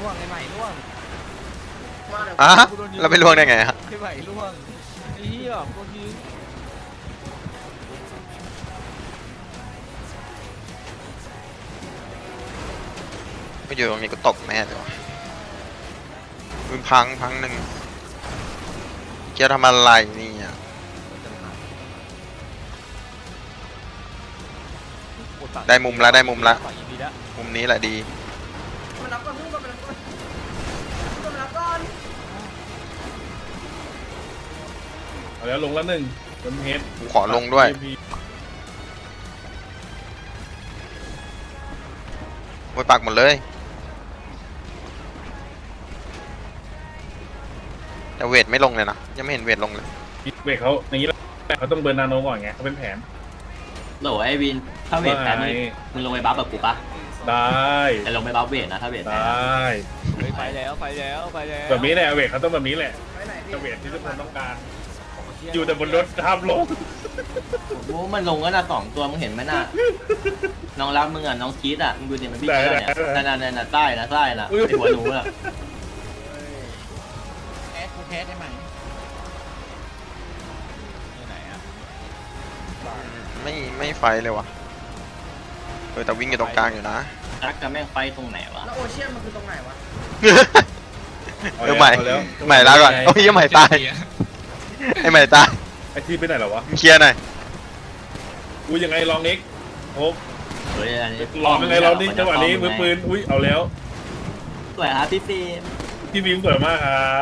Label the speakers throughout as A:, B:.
A: วงไอ้ใหม่ล่วง
B: อ่ะเราไปล่วงได้ไงฮะ
A: ไอ้ใหม่ล่วงไอ้เหี้ยโดนยิง
B: ไม่อยู่ตรงนี้ก็ตกแน่เลยวะมึงพังหนึ่งเกียร์ทำอะไรนี่อ่ะได้มุมละมุมนี้แหละดี
C: มันรับก่อนพุ่งก่อนมันรับก่อนมันรับก่อน
D: เอาแล้วลงละหนึ่งบนเฮด
B: กูขอลงด้วยโวยปักหมดเลยแต่เวทไม่ลงเลยนะยังไม่เห็นเวทลงเลย
D: เวทเขาอย่างนี้เขาต้องเบิร์นนาโนก่อนไงเขาเป็นแผน
E: โหลไอวินถ้าเวทแพ้มึงลงไปบัฟแบบกูปะ
D: ได้
E: แต่ลงไปบัฟเวทนะถ้าเวท
D: ได
E: แพ้
D: ้
A: ไปแล้ว
D: แบบนี้แหละเวทเขาต้องแบบนี้แหละ
C: ไปไหนพี่
D: เวทที่ทุกคนต้องการ อยู่แต่บนรถห้ามลง
E: โอ้มันลงก็น่ะ2 ตัวมึงเห็นไหมน่ะน้องรักมึงอ่ะน้องคิดอ่ะมึงดูเนี่ยมันพี่เชื่อเนี่ยนั่นใต้นะไอหัวหนูอ่ะ
A: แคสได้ไหมไหนอ่ะ
B: ไม่ไฟเลยวะแต่วิ่งอยู่ตรงกลางอยู่นะ
E: รักกับแม่งไฟตรงไหนวะ
C: แล้วโอเชียนมันคือตรงไหนวะ
B: ใหม่ละก่อนโอ้ยยังใหม่ตายไอ้ใหม่ตาย
D: ไอที่ไปไหนหรอวะ
B: เคลียร์หน่อย
D: อุ้ยยังไงลองนิกโอ้
E: เฮ้ยอันนี้
D: ลองยังไงลองนิกจังหวะนี้มือปืนอุ้ยเอาแล้ว
E: สวยครับพี่ฟิล์ม
D: พี่บีมสวยมากครับ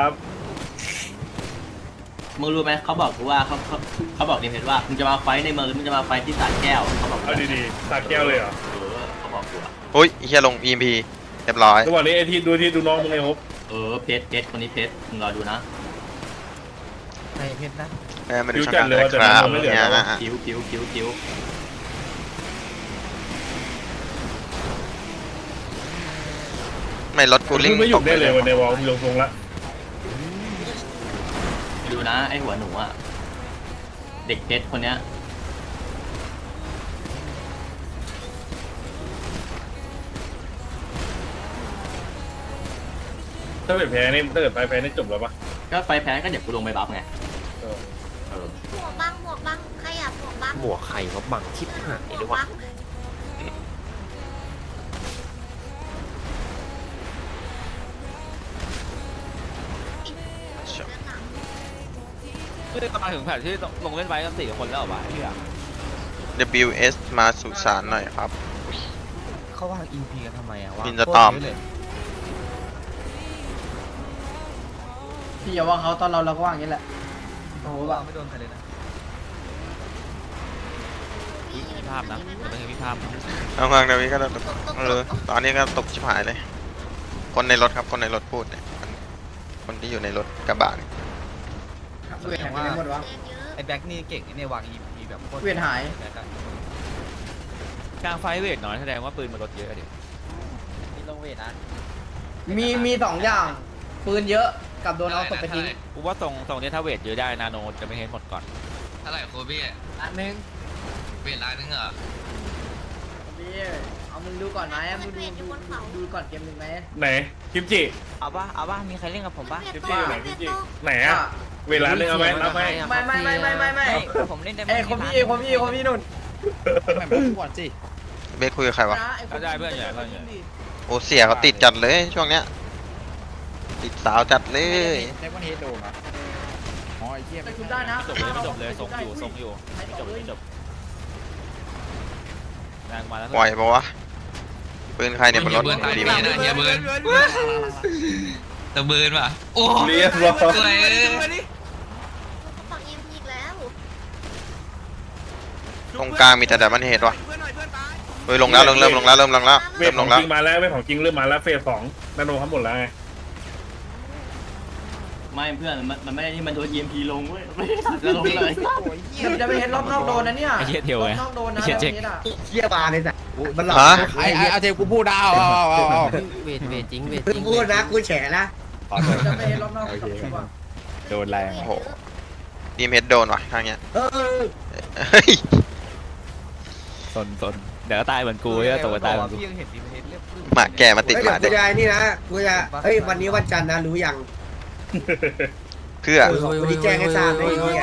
E: มึงรู้ไหมเขาบอกกูว่าเขาบอกดิเพชรว่ามึงจะมาไฟในเมืองหรือมึงจะมาไฟที่สระแก้วเขาบอก
D: เอาดีๆสักแก้วเลยเหรอ
E: เขาบอกกูอ่ะ
B: โอ้ยเฮียลง EMP เรียบร้อย
D: จังหวะนี้ไอที่ดูน้องมึงไงครับ
E: เพชรคนนี้เพชรมึงรอดูนะ
A: ไอ้เพชรนะ
B: มาดูช่างกันเลยครับเนี่ย
E: คิ้ว
B: ไม่รถกูลิง
D: ไม่หยุดได้เลยวันในวอลลงทรงละ
E: ดูนะไอหัวหนูอ่ะเด็กเพชรคนเนี้ย
D: ถ้าเกิดแพ้นี่ถ้าเกิดไปแพ้นี่จบแล้วปะ
E: ก็ไฟแพ้ก็เดี๋ยวกูลงไปบัฟไง
F: หมวกบังใครอยากหมวกบัง
A: หมวกไข่เขาบังชิบหาย
F: หมว
A: ด้
F: ก
A: วย
F: บั
A: วะ
F: ง
A: คือจะมาถึงแผนที่ลงเล่นไว้กัน4 คนแล้วเหรอวะพี่อะ
B: WS มาสุสานหน่อยครับ
A: เขาวาง EP กันทำไมอะวะ
B: บินจะตอม
C: พี่อย่าว่าเขาตอนเราก็ว่าอย่างนี้แหละโอ้โหแบ
A: วา
C: บ
A: งไม่โดนใครเลยนะมีภาพนะเดี๋ยวต้องมีภาพ
B: เอาฟังเดี๋ยวนี้ก็ตกตอนนี้ก็ตกชิบหายเลย คนในรถครับคนในรถพูดเนี่ยคนที่อยู่ในรถกระบะเนี่ย
C: เวทหายไปไหนหมดวะ
F: แรงเยอะ
A: ไอ้แบ็กนี่เก่งไอ้เนี่ยวาง EP แบบโคตร
C: เวทหาย
A: กลางไฟเวทน้อยแสดงว่าปืนมันลดเยอะดินี่ลงเวทนะ
C: มี2อย่าง ปืนเยอะกับโดนเอาศพไปทิ้ง
A: กูว่าตรงนี้ถ้าเวทเยอะได้นาโนจะไม่เห็นหมดก่อน
G: เท่าไหร่โคบี้
C: อันนึง
G: เวลานึงเหรอ
C: พี่เอามึงดูก่อนไหมมึงดูก่อนเกมหนึ่งไหม
D: ไหนคิมจิ
A: เอาป่ะมีใครเล่นกับผมป่ะ
D: คิมจิอยู่ไหนคิมจิไหนอะเวลานึงเอาไหมรับไหม
C: ไม่
A: ผมเล่นได้
C: เอ้ยคนพี่นุ่น
B: เบสคุยกับใครวะ
A: ก็ได้เพื่อนใหญ่เพื่อนใหญ่
B: โอ้เสียเขาติดจัดเลยช่วงเนี้ยติดสาวจัดเลย
A: ได้วันเฮดโดนอ๋อไอ้เหี้ย
C: ไปชุบได้นะ
A: ไม่จบเลยทรงอยู่ไม่จบแรงมาแล้ว
B: ปล่อยปะวะปืนใครเนี่ยบนรถ
G: เบิร์นตาย
B: ดี
G: ดี
B: ไหม
G: นะเฮียเบิร์นตะเบิร์นว่ะโอ้
D: เรียบร้อย
G: สวย
F: เขาปักเอ็มอีกแล้ว
B: ตรงกลางมีแต่ดับเบิลเฮดวะเฮ้ยลงแล้วเริ่มลงแล้ว
D: เว
B: เริ่
D: ท
B: ม
D: ข
B: ล
D: อง
B: งแล้ว
D: จริงมาแล้วเวทของจริงเริ่มมาแล้วเฟส2นาโนทั้งหมดแล้วไง
E: ไม่เพื่อนมันไม่ได้ที่มันโดน EMP ลงเว้ยไม่ได้จะลงเลย
C: จะไปเห็นรอบนอกโดนนะเนี่ย
A: ไอ้เหี้ยเทียวไง
C: รอบนอกโดนนะ
A: เหี้ยเจ๊ก
C: เฮียบาเลยจ้ะ
B: ฮะ
A: เอาเทกูพูดเอาเวทจริง
C: พูดนะกูแฉนะจะไปเห็นรอบนอก
A: โดนแรง
B: โอ้โหดีมเฮดโดนวะทางเนี้ยเฮ้ย
A: สนเดี๋ยวก็ตายเหมือนกูจะตกไปตายเหมือนกู
B: หมาแก่มาติด
H: เฮ้ย
B: ห
H: เดี๋ย
B: มาว เด็ก
H: กูจะไอ้นี่นะกูจะเฮ้ยวันนี้วันจันทร์นะรู้ยัง
B: เพื่อ
H: กูจะแจ้งให้ทราบไอ้เหี้ย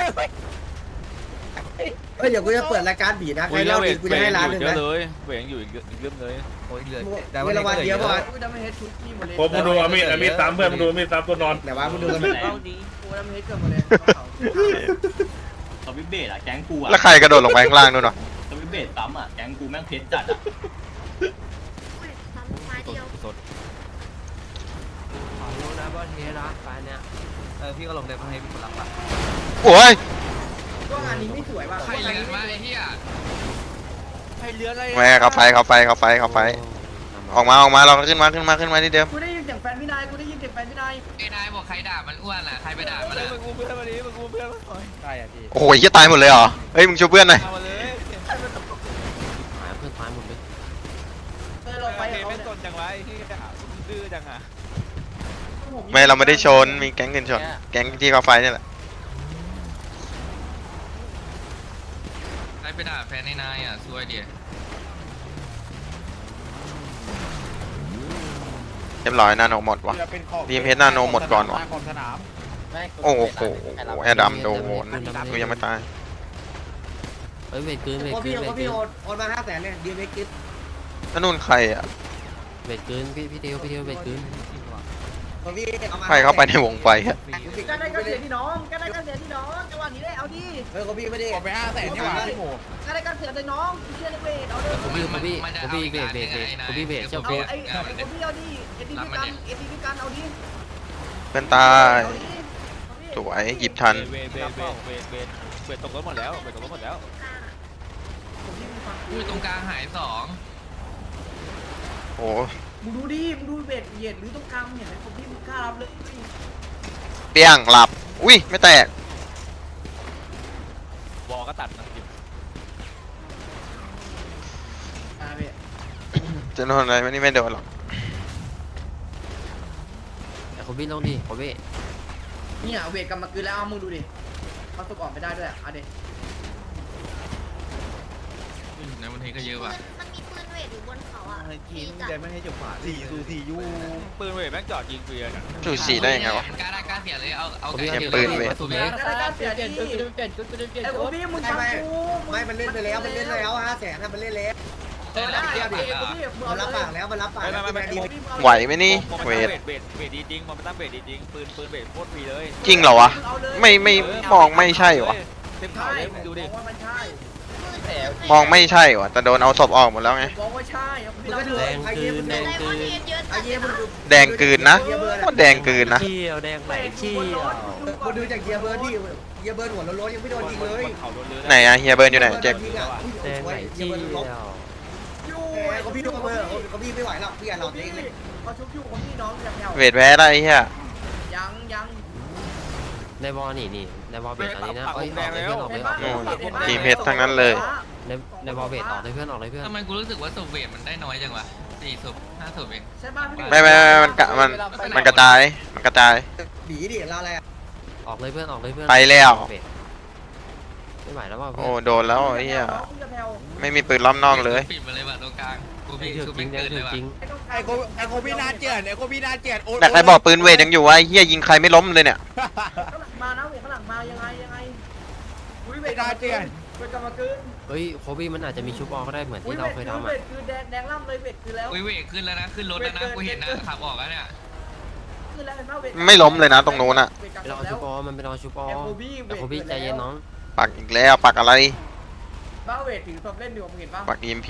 H: เฮ้ยเดี๋ยวกูจะเปิดรายการบีนะใครเล่าดีกูจะให้ร้านหนึง
A: เยอะ
H: นะ
A: เลยเวทยังอยู่อีกเรื่องเลย
H: เวลาวันเดียวป่ะ
C: กูจะไม่เฮ็ดชุดพี่หมดเลย
D: ผมมึงดูอามีดตามเพื่อนมึงดูอามีดตามตัวนอน
H: ไหนวะมึงดูกัน
C: กูจะไม่เฮ็ดเกินหมดเลย
E: สวิตเบสอะแก๊งกูอะ
B: แล้วใครกระโดดลงไปข้างล่างนู่นวะ
E: สวิตเบสซ้ำอะแก๊งกูแม่งเพชรจัดอะ
F: ซ้ำไม้เดียว
A: สด
C: ขอรู้นะว่าเทนะไปเนี่ยพี่ก็ลงได้เพราะให้พี่คนรับอ่ะ
B: โอ้ย
C: ก็งานนี้ไม่สวยว่ะ
G: ใครเลือนวะไอ้เหี้ย
C: ใครเลือนอะไร
B: แม่เขาไฟออกมาเราขึ้นมาที่เดิม
C: กูได้ยินเสียงแฟนพี่นายกูได้ยินเสียงแฟนพี่นาย
G: ไอ้นายบอกใครด่ามันอ้วนอ่ะใครไปด่ามันอ่ะ
A: มึงกูเพื่อนวันนี้มึงกูเพื่อนมาหน่อยใช่อ่ะพี่
B: โอ้โหเหี้ยตายหมดเลยเหรอเฮ้ยมึงช่วยเพื่อนหน่อย
A: เอามาเลย
C: เออเราไป
A: ไป
C: กับเขา
A: เป็น
C: เนี่ย
A: ตนจังไว้ที่ดื้อจังอ่ะ
B: ไม่เราไม่ได้ชนมีแก๊งอื่นชนแก๊งที่เขาไฟนี่แหละ
G: ใครไปด่าแฟนไอ้นายอ่ะซวยดิ
B: เรียบร้อยนาโนหมดวะดีเพชรนาโนหมดก่อนวะโอ้โหแอดดัมโดนกูยังไม่ตาย
H: พอพี่โอนมา500,000เนี่ยดีเมกิฟ
B: นั่นนู่นใครอ่ะ
H: พอพี่เอามา
B: ใครเข้าไปในวงไฟอ่ะ
C: ก็ได้ก็เสียที่น้องก็ได้ก็เสียที่น้องจังหวะนี้ได้เอาดิ
H: เฮ้ยพอพี่ไม่ได้
D: ไป500,000นี่หว่าพี่โม
C: ก็ได้ก็เสียในน้องเชื่อในเวทเอาเลย
G: ผมพี่เบรกเอา
C: ไอ้คนพี่เอาดิเอทีพีกันเอาดิ
B: เพื่อนตายสวยหยิบทัน
A: เวทตกรถหมดแล้วเวทตกรถหมดแล้ว
G: พูดตรงกลางหายสอง
B: โอ้
C: มึงดูดิมึงดูเวทเหยียดหรือต้องกลางเห็นไหมคนพี่มึงกล้ารับเลย
B: เปี้ยงหลับอุ้ยไม่แตก
A: บอกก็ตัดนะ
C: พี่
B: จะโดนอะไรไม่โดนหรอก
C: เนี่ยเวทกลับมาคืนแล้วเอามึงดูดิเขาตกออกไม่ได้ด้วยอ่ะเด็ก
G: ในวันนี้ก็เยอะว่ะ
F: มันมีปืนเวทอยู่บนเขาอ่ะ
C: ทีมใจไม่ให้จบขวา4-4ยู
A: ปืนเวทแม่งจอดยิงเฟียร์นะ
B: จูสีได้ยังไงวะ
G: กล้าได้กล้าเสียเลยเอา
B: เนี่ยปืนเวท
C: ก็ได้ก็เสียดิไอ้โอบี้มึงฟังกู
H: ไม่มันเล่นไปแล้ว500,000ถ้ามันเล่นแล้ว
C: เออได้ไอ้โอบี้มึง
H: มันรับปากแล้วมันรับปากแล้ว
B: ไหวไหมนี่เวท
A: เวทดีจริงมันตั้งเวทดีจริงปืนเวทโคตรฟรีเลย
B: จริงเหรอวะไม่มองไม่ใช่วะ
A: เต็มเขาเลยดูดิ
C: ว่ามันใช่
B: มองไม่ใช่วะแต่โดนเอาศพออกหมดแล้วไง
C: บอกว่าใช่
H: มึงก็ดูไอเยี่ยม
F: ไดมอนด์เฮดเยอะ
H: ไอเยี่ยมมึงดู
B: แดงกลืนนะว่าแดงกลืนนะ
H: มึงดูจากเยียเบิร์ดที่เยียเบิร์ดหัวโล้นยังไม่โดนยิงเลย
A: เขาโดนเลย
B: ไหนอะเฮียเบิร์นอยู่ไหนเจ็บ
H: เยียเบิร์ดลบ
C: ยู
H: เขาพี่ดูเบอร์เขาพี่ไม่ไหวหรอกพี่อย่าหลอดเองเลย
C: เขาชุบยูคนพี่น้องแถว
B: เวทแพ้ได้เฮีย
C: ยัง
I: ในบอลนี่ในบอลเบสตอนนี้นะ
A: ปัก
I: เอ้ย
A: แดงแล้ว
B: ทีมเพชรทั้งนั้นเลย
I: ในบอลเบสออกเลยเพื่อนออกเลยเพื่อน
G: ทำไมกูรู้สึกว่าศพเวทมันได้น้อยจังวะ4ศพ5ศพเอง
C: ใช่ป่ะพี่
B: ไม่มันกระจาย
H: บีดิเราอะไร
I: ออกเลยเพื่อนออกเลยเพื่อน
B: ไปแล้ว
I: ไม่ไหวแล้วว่าเพื่
B: โอ้
I: อน
B: โดนแล้วไอ้เฮียไม่มีปืนล้อมนอกเลย
G: ปิดมาเลยว่ะตรงกลางกู
I: จริ
G: พี่
I: ง
G: กู
I: จริ
G: ไม่
I: ง
G: เกินเลยว่ะ
I: จริง
D: ไอโคพี่น่าเจียนโอ้
B: แต่ใครบอกปืนเวทยังอยู่วะไอ้เฮียยิงใครไม่ล้มเลยเนี่ย
C: ข้างหลังมานะเวทข้างหลังมายังไงอุ้ยเวทกลับมาคืน
I: เฮ้ยโคบี้มันอาจจะมีชุบออกก็ได้เหมือนที่เราเคยทำ
C: เว
I: อ่ะ
C: ทคือแดงล่ำเลยเวทคือแล้ว
G: อุ้ยเวทขึ้นแล้วนะขึ้นรถแล้วนะกูเห็นนะขับออกแล้วเนี่ย
C: คือแล้วเห็นป่ะเวท
B: ไม่ล้มเลยนะตรงนู้นอะ
I: ไปรอชุบอมันไปรอชุบอแต่โคบี้ใจเย็นน้อง
B: ปักอีกแล้วปักอะไร
C: บ้าเวทถือศพเล่นอยู่ผมเห็นป่ะ
B: ปัก EMP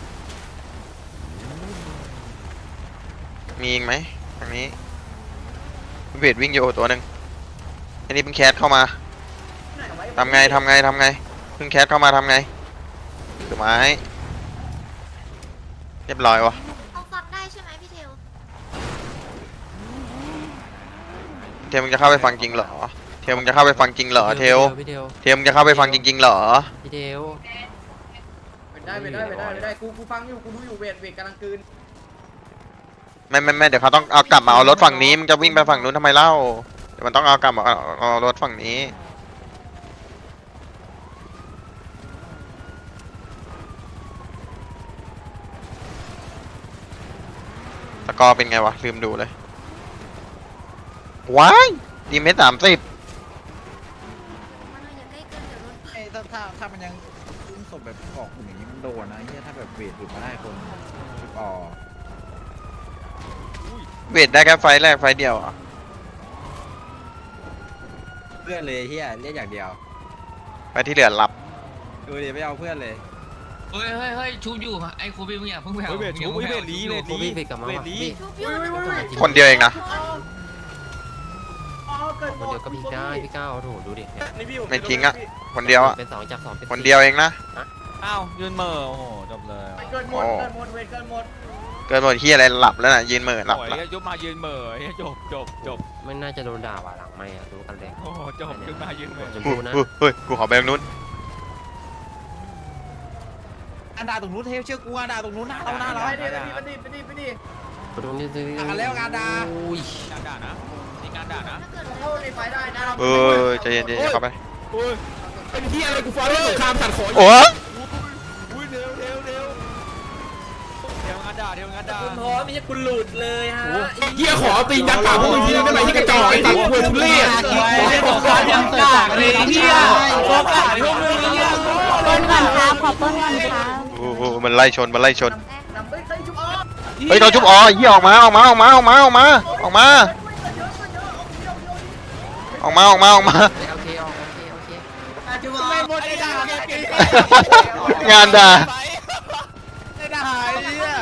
B: มีอีกไหมทางนี้เวทวิ่งอยู่ตัวหนึ่งอันนี้เพิ่งแคสเข้ามาทำไงเพิ่งแคสเข้ามาทำไงถือไม้เรียบร้อยวะ
F: เอาฟังได้ใช่ไหมพี่เทล
B: เทลมึงจะเข้าไปฟังจริงเหรอเทลมึงจะเข้าไปฟังจริงเหรอเทล
I: พี่เทล
B: เทลมึงจะเข้าไปฟังจริงๆเหรอ
I: พี่เทล
C: ได้กูฟังอยู่กูรู้อยู่เวทกำลังคืน
B: ไม่เดี๋ยวเขาต้องเอากลับมาเอารถฝั่งนี้มึงจะวิ่งไปฝั่งนู้นทำไมเล่าเดี๋ยวมันต้องเอากลับมาเอารถฝั่งนี้กอร์เป็นไงวะลืมดูเลยว้ายดีเมตร30
F: มันอย่าใกล้เกินเดี๋ยวรถ
J: ไอ้ถ้ามันยังอุ้มศพแบบออกหุ่นอย่างนี้มันโดนนะไอ้เหี้ยถ้าแบบเวทหลุดมาได้คนชุบออ
B: เวทได้แค่ไฟล์แรกไฟล์เดียวอ่ะ
J: เพื่อนเลยเหี้ยเรียกอย่างเดียว
B: ไปที่เหลือรับ
J: ดูดิไม่เอาเพื่อนเลย
G: เฮ้ยเฮ้ยเฮ้ยชูอยู่ไอ้โคบีมึงอย่าเพิ่งแผ่ว
A: เฮ้ยเวทชูเฮ้ยเวทลีเวท
I: โคบี้เวทกลับมาว่ะพี่
F: ชุบอยู่
B: คนเดียวเองนะ
I: คนเดียวก็พี่ได้พี่ก้าวโถดูดิเนี่ย
B: ไม่ทิ้งอ่ะคนเดียวอ่ะ
I: เป็น2จาก2เป็น
B: คนเดียวเองนะ
A: อ้าวยืนเหม่อโอ้โหจบเลย
J: เกินหมด
B: โอ้
J: เกินหมดเวทเกินหมด
B: เกินหมดที่อะไรหลับแล้วน่ะยืนเหม่อหลับ
A: โอ้ย
B: ละ
A: ยุบมายืนเหม่อเฮ้ยจบ
I: ไม่น่าจะโดนด่าว่ะหลังไม่อะดูกันเลย
A: โอ้โหจบยุบมายืนเหม่อ
I: ชม
B: กู
I: พูนะ
B: เฮ้ยกูขอไปตรงนู้น
J: อันดาตรงนู้นเทปเชื่อกูอันดาตรงนู้นหน้าเราหน้าเราไปดิไปดิ
I: ตรงนี้
J: ด่ากันแล้วงานด่า
I: อุ้ย
A: การด่านะนี่การด่านะ
F: ถ้าเกิด
J: เข้าในไฟได้นะ
B: เออใจเย็นๆเข้าไป
D: เป็นที่อะไรกูฟ้าเรื่องสงครามขัดขอ
B: โอ้ย
A: อุ้ยเร็วงานด่างานด่า
H: คุณพร้อมไม่ใช่คุณหลุดเลยฮะ
D: เฮียขอตียักษ์ปากพวกมึงทีนึงได้ไหมที่กระจอกไอ้สัตว์เวทุเล่
F: ต้นก่อนครับขอต้นก่อนครับ
B: โอ้โหมันไล่ชนมันไล่ชน
J: นำไปใส่ชุบออ
B: เฮ้ยโดนชุบอ๋อเหี้ยออกมาออกมาออกมาออกมาออกมาออกมาออกมาออกมาออกมา
I: โอเคโอเค
J: ชุบออไม่หมดไอ้ด่าง
B: านด่า
J: ไอ้ด่าไอ้เหี้ย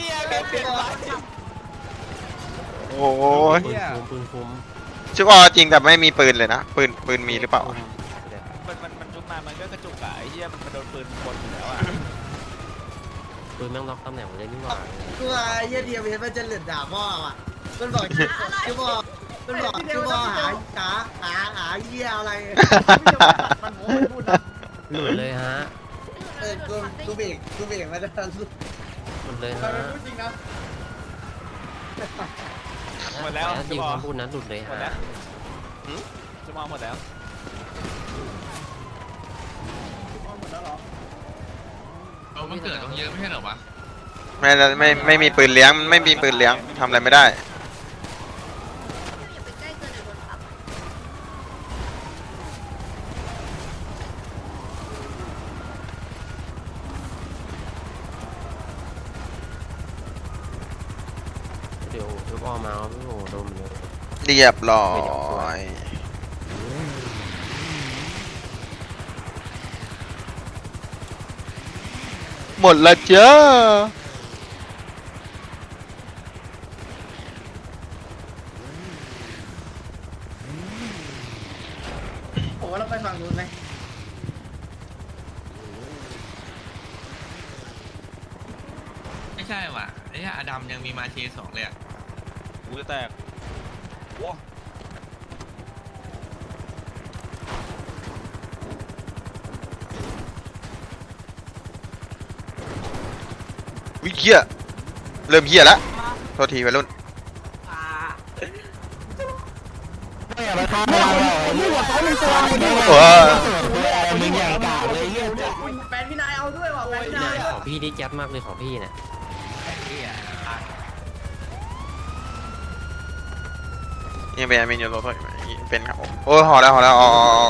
B: โอ้ย
I: ปืนคุม
B: ชุบอ๋อจริงแต่ไม่มีปืนเลยนะปืนมีหรือเปล่า
A: มันชุบมามันก็กระจุกอะไอ้เหี้ยมันโดนปืนคนอยู่แล้วอ่ะ
I: ปืนแม่งล็อกตำแหน่งเลยนี่หว่า
J: กูไอ้เหี้ยเดียวเห็นมันจะเหลือด่าพ่ออ่ะมันบอกชุบออมันบอกชุบออหาเหี้ยอะไรมันโม้มันพูดนะ
I: หลุดเลยฮะ
J: กูเบรกมาได้
I: หลุดเลยฮะ
J: จริงนะ
A: หมดแล้ว
I: จริงคำพูดนั้นหลุดเลย
A: หมดแล้ว
I: ฮะ
A: จะมองหมดแล้ว
G: เรามันเกิดต้องเยอะไม่ใช่เหรอวะ
B: ไม่มีปืนเลี้ยงไม่มีปืนเลี้ยงทำอะไรไม่ได้
F: อย่าไปใกล้เกินเดี๋ยวโดนทับ
I: เดี๋ยวชุบออกมาครับพี่โหโดนเลย
B: เรียบร้อย หมดละเจ้า
J: ผมว่าเราไปฝั่งนู้นไหม
G: ไม่ใช่ว่ะไอ้อดัมยังมีมาเช2เลยอ่ะ
A: กูจะแตกโอ้
B: วิเฮียเริ่มเฮียแล้วโทษทีวัยรุ่น โอ้ย
J: แฟนพี่นายเอาด้วยว่ะแฟนพี่นาย
I: ของพี่นี่แจ๊บมากเลยของพี่เนี่ย
B: ยังเป็นอยู่รถเป็นครับโอ้ยห่อแล้วออก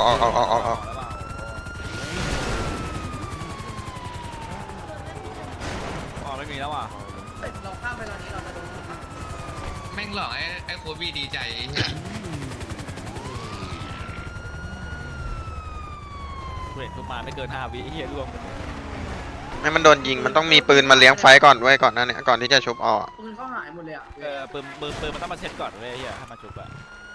A: อ๋อไม่มีแล้วอ่ะ
J: เราข้ามไปตอนนี้เราจะโดน
G: แม่งหลอกไอ้โคบีดีใจไอ้เหี้ย
A: เห็นชุบมาไม่เกิน5 วิไอ้เหี้ยร่วง
B: ให้มันโดนยิงมันต้องมีปืนมาเลี้ยงไฟก่อนไว้ก่อนนะเนี่ยก่อนที่จะชุบออก
J: ปืนเขาหายหมดเลยอ่ะ
A: ปืนมันต้องมาเซ็ตก่อนเว้ยไอ้เหี้ยให้มาชุบอะ